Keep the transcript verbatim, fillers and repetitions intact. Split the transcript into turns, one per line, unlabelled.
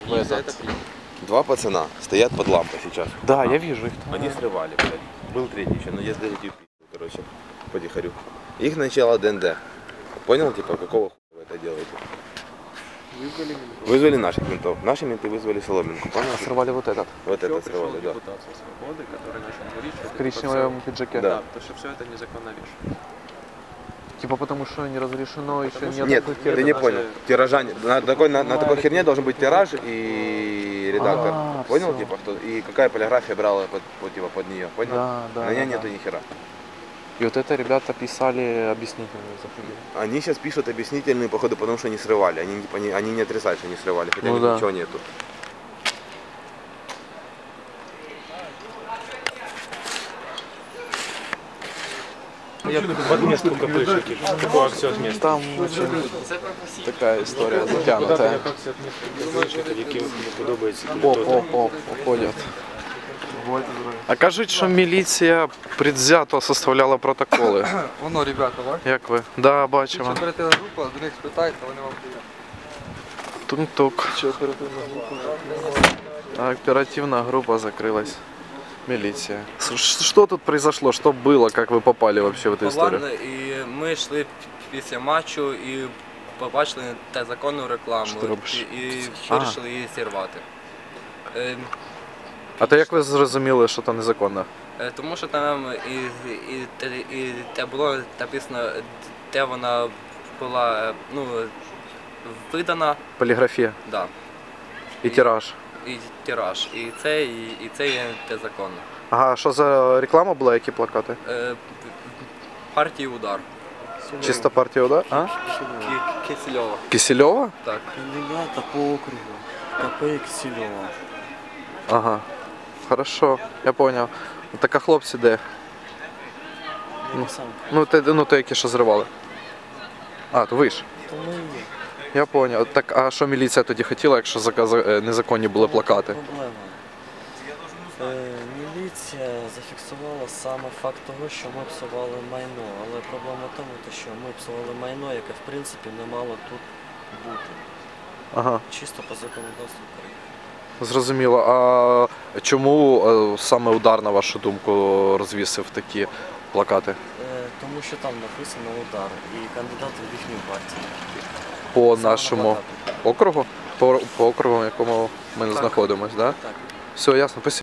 И за это приняли. Два пацана стоят под лампой сейчас.
Да, я вижу их.
Они срывали, блядь. Был третий еще, но я сдаю типа, короче, потихорю. Их начало ДНД. Понял, типа, какого хуя вы это делаете?
Вызвали ментов.
Вызвали наших ментов. Наши менты вызвали Соломинку. Понял?
Сорвали вот этот.
Вот
Еще
это
пришел
срывали, да.
депутат со свободы, который начал говорить, что
В коричневом пиджаке.
Да.
Да, потому что все это незаконно вешать.
Типа потому что не разрешено, еще
Потому
нет.
что-
Нет,
такой
ты
херни.
не
даже-
понял. Тиража, на такой, на, на такой херне должен быть тираж и редактор.
А,
Понял,
всё.
типа, что, и какая полиграфия брала под, под, типа, под нее. Понял?
Да, да,
На ней
да,
нету
да.
ни хера.
И вот это ребята писали объяснительные заходили.
Они сейчас пишут объяснительные, походу, потому что они срывали. Они, не- они, они не отрицают, что они срывали, хотя
Ну
у них
да.
ничего нету.
Я под место КПшники. Какую акцию от места?
Там очень такая історія затягнута.
Як акція от места КПшників, які не подобається.
Оп, оп, оп, уходять. А кажуть, що міліція предвзято составляла протоколи.
Воно, ребята, бачите?
Як ви? Да,
Що
бачимо.
оперативна група, до них спитайте, вони вам дають.
Тук-тук. А оперативная группа закрылась. Милиция. С- Что тут произошло? Что было? Как вы попали вообще в эту историю?
Ладно, і ми йшли після матчу і побачили незаконну рекламу
Що ти робиш?
і, і
А.
вирішили її зірвати. Е,
А то як ви зрозуміли, що це незаконно?
е, тому що там і, і, те- і, те було написано, де вона була, е, ну, видана,
Поліграфія
да,
і тираж.
і тираж. І це, і, і це є незаконно.
Ага, що за реклама була, які плакати?
Е, партії удар.
Чисто партія, да? А?
Ки- Кисельова.
Кисельова?
Так.
Кандидата по округу. КП Кисельова.
Ага. Хорошо, я понял. Так а хлопці де?
Я сам.
Ну, те, ну, те, які що зривали. А, то ви ж.
То ми є.
Я понял. Так, а що міліція тоді хотіла, якщо заказ- е, незаконні були плакати?
Проблема. Е, міліція зафіксувала саме факт того, що ми псували майно. Але проблема в тому, те, що ми псували майно, яке в принципі не мало тут бути.
Ага.
Чисто по законодавству України.
Зрозуміло. А чому е, саме удар, на вашу думку, розвісив такі плакати?
Е, тому що там написано удар і кандидати в їхню партію.
По
Саме
нашому
на плакатах.
округу? По, по округу, в якому ми знаходимося, да?
Так.
Все, ясно. Спасибо.